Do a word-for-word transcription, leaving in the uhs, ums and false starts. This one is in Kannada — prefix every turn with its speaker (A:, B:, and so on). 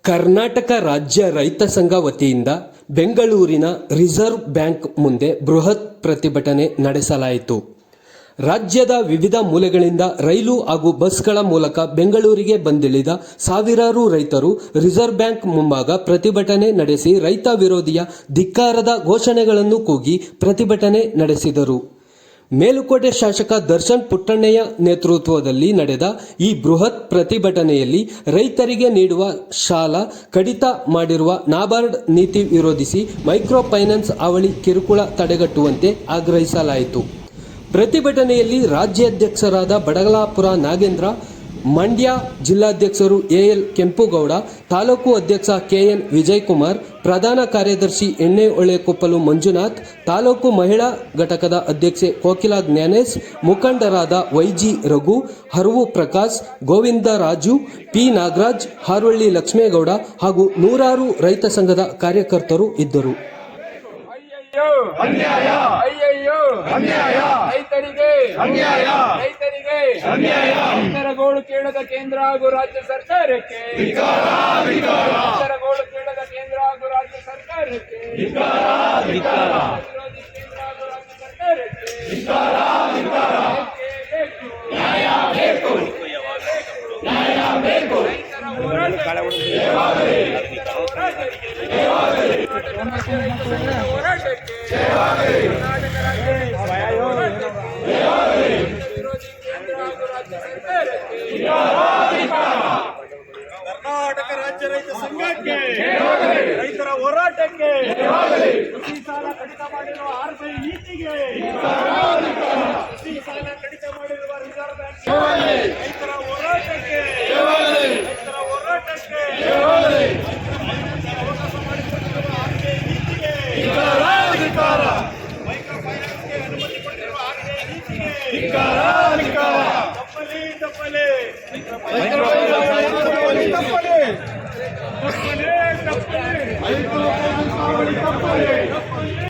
A: ಕರ್ನಾಟಕ ರಾಜ್ಯ ರೈತ ಸಂಘ ವತಿಯಿಂದ ಬೆಂಗಳೂರಿನ ರಿಸರ್ವ್ ಬ್ಯಾಂಕ್ ಮುಂದೆ ಬೃಹತ್ ಪ್ರತಿಭಟನೆ ನಡೆಸಲಾಯಿತು. ರಾಜ್ಯದ ವಿವಿಧ ಮೂಲೆಗಳಿಂದ ರೈಲು ಹಾಗೂ ಬಸ್ಗಳ ಮೂಲಕ ಬೆಂಗಳೂರಿಗೆ ಬಂದಿಳಿದ ಸಾವಿರಾರು ರೈತರು ರಿಸರ್ವ್ ಬ್ಯಾಂಕ್ ಮುಂಭಾಗ ಪ್ರತಿಭಟನೆ ನಡೆಸಿ ರೈತ ವಿರೋಧಿಯ ಧಿಕ್ಕಾರದ ಘೋಷಣೆಗಳನ್ನು ಕೂಗಿ ಪ್ರತಿಭಟನೆ ನಡೆಸಿದರು. ಮೇಲುಕೋಟೆ ಶಾಸಕ ದರ್ಶನ್ ಪುಟ್ಟಣ್ಣಯ್ಯ ನೇತೃತ್ವದಲ್ಲಿ ನಡೆದ ಈ ಬೃಹತ್ ಪ್ರತಿಭಟನೆಯಲ್ಲಿ ರೈತರಿಗೆ ನೀಡುವ ಸಾಲ ಕಡಿತ ಮಾಡಿರುವ ನಾಬಾರ್ಡ್ ನೀತಿ ವಿರೋಧಿಸಿ ಮೈಕ್ರೋ ಫೈನಾನ್ಸ್ ಹಾವಳಿ ಕಿರುಕುಳ ತಡೆಗಟ್ಟುವಂತೆ ಆಗ್ರಹಿಸಲಾಯಿತು. ಪ್ರತಿಭಟನೆಯಲ್ಲಿ ರಾಜ್ಯಾಧ್ಯಕ್ಷರಾದ ಬಡಗಲಾಪುರ ನಾಗೇಂದ್ರ, ಮಂಡ್ಯ ಜಿಲ್ಲಾಧ್ಯಕ್ಷರು ಎಎಲ್ ಕೆಂಪುಗೌಡ, ತಾಲೂಕು ಅಧ್ಯಕ್ಷ ಕೆಎನ್ ವಿಜಯಕುಮಾರ್, ಪ್ರಧಾನ ಕಾರ್ಯದರ್ಶಿ ಎಣ್ಣೆಹೊಳೆಕೊಪ್ಪಲು ಮಂಜುನಾಥ್, ತಾಲೂಕು ಮಹಿಳಾ ಘಟಕದ ಅಧ್ಯಕ್ಷೆ ಕೋಕಿಲಾ ಜ್ಞಾನೇಶ್, ಮುಖಂಡರಾದ ವೈಜಿ ರಘು, ಹರವು ಪ್ರಕಾಶ್, ಗೋವಿಂದರಾಜು, ಪಿ ನಾಗರಾಜ್, ಹಾರೋಳ್ಳಿ ಲಕ್ಷ್ಮೇಗೌಡ ಹಾಗೂ ನೂರಾರು ರೈತ ಸಂಘದ ಕಾರ್ಯಕರ್ತರು ಇದ್ದರು.
B: ಅನ್ಯಾಯ ಅಯ್ಯಯ್ಯೋ ಅನ್ಯಾಯ ರೈತರಿಗೆ ಅನ್ಯಾಯ ರೈತರಿಗೆ ಅನ್ಯಾಯ ರೈತರ ಗೋಳು ಕೇಳದ ಕೇಂದ್ರ ಹಾಗೂ ರಾಜ್ಯ ಸರ್ಕಾರಕ್ಕೆ ಧಿಕ್ಕಾರ ಧಿಕ್ಕಾರ ರೈತರ ಗೋಳು ಕೇಳದ ಕೇಂದ್ರ ಹಾಗೂ ರಾಜ್ಯ ಸರ್ಕಾರಕ್ಕೆ ಧಿಕ್ಕಾರ ಧಿಕ್ಕಾರ ವಿರೋಧಿ ಕೇಂದ್ರ ಹಾಗೂ ರಾಜ್ಯ ಸರ್ಕಾರಕ್ಕೆ ಧಿಕ್ಕಾರ ಧಿಕ್ಕಾರ ನ್ಯಾಯ ಬೇಕು ನ್ಯಾಯ ಬೇಕು ರೈತರ ಹೋರಾಟ ರೈತರ ಹೋರಾಟಕ್ಕೆ ಹೋರಾಟಕ್ಕೆ ಕರ್ನಾಟಕ ರಾಜ್ಯ ವಿರೋಧಿ ಕೇಂದ್ರ ಹಾಗೂ ರಾಜ್ಯ ಸರ್ಕಾರಕ್ಕೆ ಕರ್ನಾಟಕ ರಾಜ್ಯ ರೈತ ಸಂಘಕ್ಕೆ ರೈತರ ಹೋರಾಟಕ್ಕೆ ಕೃಷಿ ಸಾಲ ಕಡಿತ ಮಾಡಿರುವ ಆರ್ಬಿಐ ನೀತಿಗೆ ಕೃಷಿ ಸಾಲ ಕಡಿತ ಮಾಡಿರುವ ರಿಸರ್ವ್ ಬ್ಯಾಂಕ್ ರೈತರ ಹೋರಾಟಕ್ಕೆ ರೈತರ ಹೋರಾಟಕ್ಕೆ ಅವಕಾಶ ಮಾಡಿಕೊಟ್ಟಿರುವ ಆರ್ಬಿಐ ನೀತಿಗೆ ಮೈಕ್ರೋ ಫೈನಾನ್ಸ್ಗೆ ಅನುಮತಿ ಕೊಟ್ಟಿರುವ ಆರ್ಬಿಐ ನೀತಿಗೆ ತಪ್ಪಲಿ ತಪ್ಪಲಿ ತಪ್ಪಲಿ ತಪ್ಪಲಿ ತಪ್ಪಲಿ